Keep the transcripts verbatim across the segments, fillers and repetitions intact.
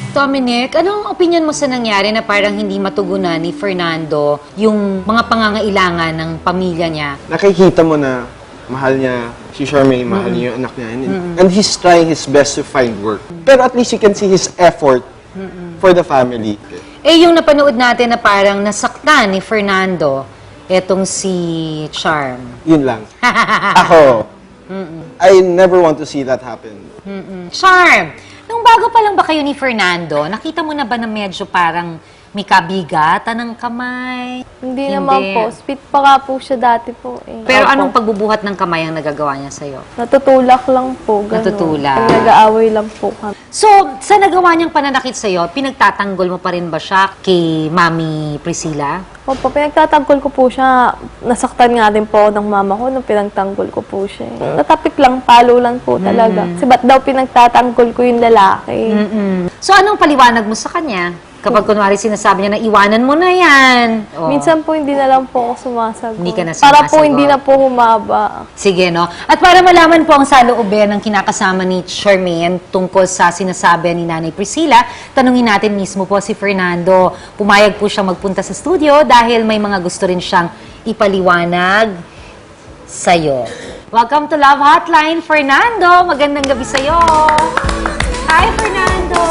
Dominic, anong opinion mo sa nangyari na parang hindi matugunan ni Fernando yung mga pangangailangan ng pamilya niya? Nakikita mo na mahal niya si Charmaine, mahal niya yung anak niya. And, and he's trying his best to find work. Pero at least you can see his effort for the family. Eh, yung napanood natin na parang nasaktan ni Fernando, etong si Charm. Yun lang. Ako, I never want to see that happen. Mm-mm. Charm, nung bago pa lang ba kayo ni Fernando, nakita mo na ba na medyo parang may kabigatan ng kamay? Hindi, naman po. Sweet pa nga po siya dati po. Eh. Pero Opo. anong pagbubuhat ng kamay ang nagagawa niya sa'yo? Natutulak lang po. Ganun. Natutulak. Pag nag-aaway lang po kami. So, sa nagawa niyang pananakit sa'yo, pinagtatanggol mo pa rin ba siya kay Mami Priscilla? Opo, pinagtatanggol ko po siya. Nasaktan nga din po ako ng mama ko nung pinagtanggol ko po siya. Natapik lang, palo lang po talaga. Kasi ba't daw pinagtatanggol ko yung lalaki? Mm-mm. So, anong paliwanag mo sa kanya? Kapag kunwari sinasabi niya na iwanan mo na yan. Oh. Minsan po hindi na lang po ako sumasagot. Hindi ka na Para po sumasagot. hindi na po humaba. Sige, no? At para malaman po ang saloobin ng kinakasama ni Charmaine tungkol sa sinasabi ni Nanay Priscilla, tanungin natin mismo po si Fernando. Pumayag po siyang magpunta sa studio dahil may mga gusto rin siyang ipaliwanag sa'yo. Welcome to Love Hotline, Fernando. Magandang gabi sa'yo. Hi, Fernando.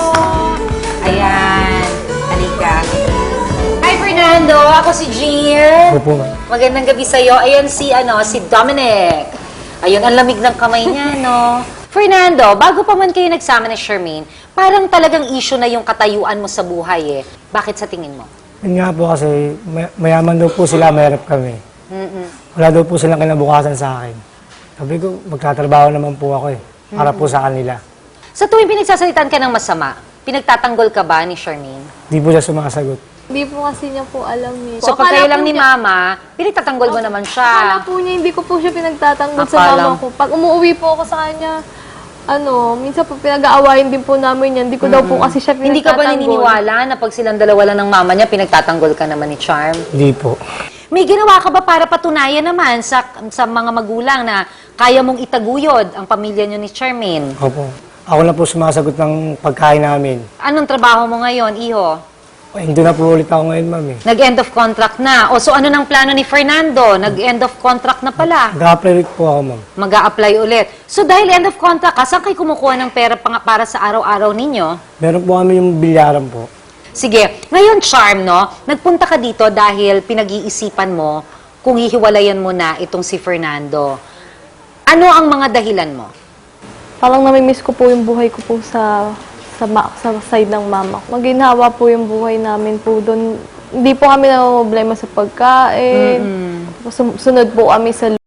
Ayan. Halika. Hi, Fernando. Ako si Jean. Opo. Magandang gabi sa'yo. Ayan si, ano, si Dominic. Ayun, ang lamig ng kamay niya, no? Fernando, bago pa man kayo nagsama ni Charmaine, parang talagang issue na yung katayuan mo sa buhay, eh. Bakit sa tingin mo? Yun nga po kasi may- mayaman daw po sila, mahirap kami. Mm-mm. Wala daw po silang kinabukasan sa akin. Sabi ko, magtatrabaho naman po ako eh. Para po sa kanila. Sa tuwing pinagsasalitan ka ng masama, pinagtatanggol ka ba ni Charmaine? Di po siya sumasagot. Hindi po kasi niya po alam eh. So, pag Akala kayo lang po ni niya- Mama, pinagtatanggol mo naman Akala siya. po niya, hindi ko po siya pinagtatanggol sa Akala- mama ko. Pag umuwi po ako sa kanya, ano, minsan po pinag-aawayin din po namin yan. Hindi ko daw po kasi siya pinagtatanggol. Hindi ka ba naniniwala na pag silang dalawa lang ng mama niya, pinagtatanggol ka naman ni Charm? Hindi po. May ginawa ka ba para patunayan naman sa sa mga magulang na kaya mong itaguyod ang pamilya niyo ni Charmaine? Opo. Ako na po sumasagot ng pagkain namin. Anong trabaho mo ngayon, iho? Ay, hindi na po ulit ako ngayon, ma'am eh. Nag-end of contract na. O so ano nang plano ni Fernando? Nag-end of contract na pala. Nag-apply ulit po ako, ma'am. mag apply ulit. So dahil end of contract ka, saan kayo kumukuha ng pera pang- para sa araw-araw ninyo? Meron po kami yung bilyaran po. Sige, ngayon Charm, no? Nagpunta ka dito dahil pinag-iisipan mo kung hihiwalayan mo na itong si Fernando. Ano ang mga dahilan mo? Parang namimiss ko po yung buhay ko po sa sa, ma- sa side ng mama ko. Maginhawa po yung buhay namin po doon. Hindi po kami namumblema sa pagkain. Tapos sum- sunod po kami sa